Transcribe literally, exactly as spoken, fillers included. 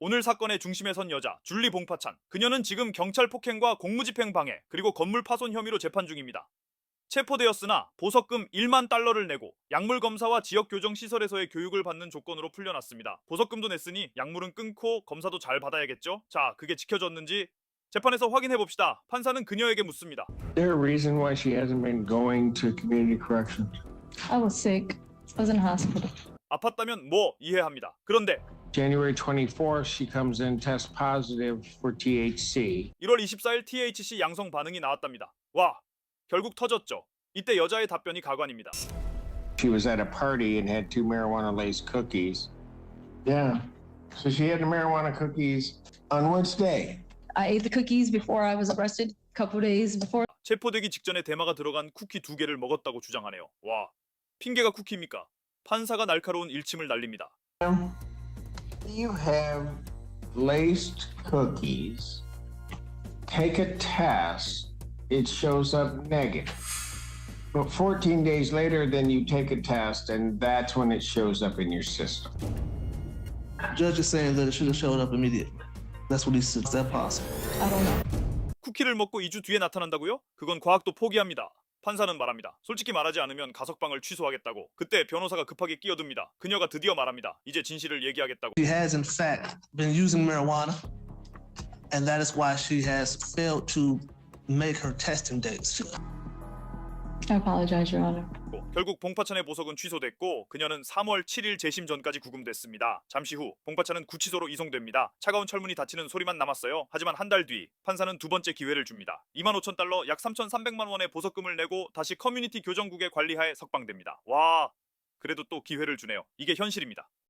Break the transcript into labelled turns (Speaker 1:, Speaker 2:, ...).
Speaker 1: 오늘 사건의 중심에 선 여자 줄리 봉파찬. 그녀는 지금 경찰 폭행과 공무집행 방해 그리고 건물 파손 혐의로 재판 중입니다. 체포되었으나 보석금 일만 달러를 내고 약물 검사와 지역 교정 시설에서의 교육을 받는 조건으로 풀려났습니다. 보석금도 냈으니 약물은 끊고 검사도 잘 받아야겠죠? 자, 그게 지켜졌는지 재판에서 확인해 봅시다. 판사는 그녀에게 묻습니다.
Speaker 2: Is there a reason why she hasn't been going to community corrections?
Speaker 3: I was sick. I was in hospital.
Speaker 1: 아팠다면 뭐 이해합니다. 그런데
Speaker 2: January twenty-fourth, she comes in test positive for T H C.
Speaker 1: 일월 이십사일 티에이치씨 양성 반응이 나왔답니다. 와, 결국 터졌죠. 이때 여자의 답변이 가관입니다.
Speaker 2: She was at a party and had two marijuana-laced cookies. Yeah. So she had the marijuana cookies on which day?
Speaker 3: I ate the cookies before I was arrested, a couple days before.
Speaker 1: 체포되기 직전에 대마가 들어간 쿠키 두 개를 먹었다고 주장하네요. 와, 핑계가 쿠키입니까? 판사가 날카로운 일침을 날립니다.
Speaker 2: You have laced cookies. Take a test. It shows up negative. But fourteen days later, then you take a test, and that's when it shows up in your system.
Speaker 4: Judge is saying that it should have showed up immediately. That's what he said. Is that possible?
Speaker 3: I don't know.
Speaker 1: 쿠키를 먹고 이 주 뒤에 나타난다고요? 그건 과학도 포기합니다. 판사는 말합니다. 솔직히 말하지 않으면 가석방을 취소하겠다고. 그때 변호사가 급하게 끼어듭니다. 그녀가 드디어 말합니다. 이제 진실을 얘기하겠다고.
Speaker 4: She has, in fact, been using marijuana, and that is why she has failed to make her testing dates.
Speaker 3: I apologize, Your Honor.
Speaker 1: 결국 봉파찬의 보석은 취소됐고 그녀는 삼월 칠일 재심 전까지 구금됐습니다. 잠시 후 봉파찬은 구치소로 이송됩니다. 차가운 철문이 닫히는 소리만 남았어요. 하지만 한 달 뒤 판사는 두 번째 기회를 줍니다. 이만 오천 달러 약 삼천삼백만 원의 보석금을 내고 다시 커뮤니티 교정국의 관리하에 석방됩니다. 와, 그래도 또 기회를 주네요. 이게 현실입니다.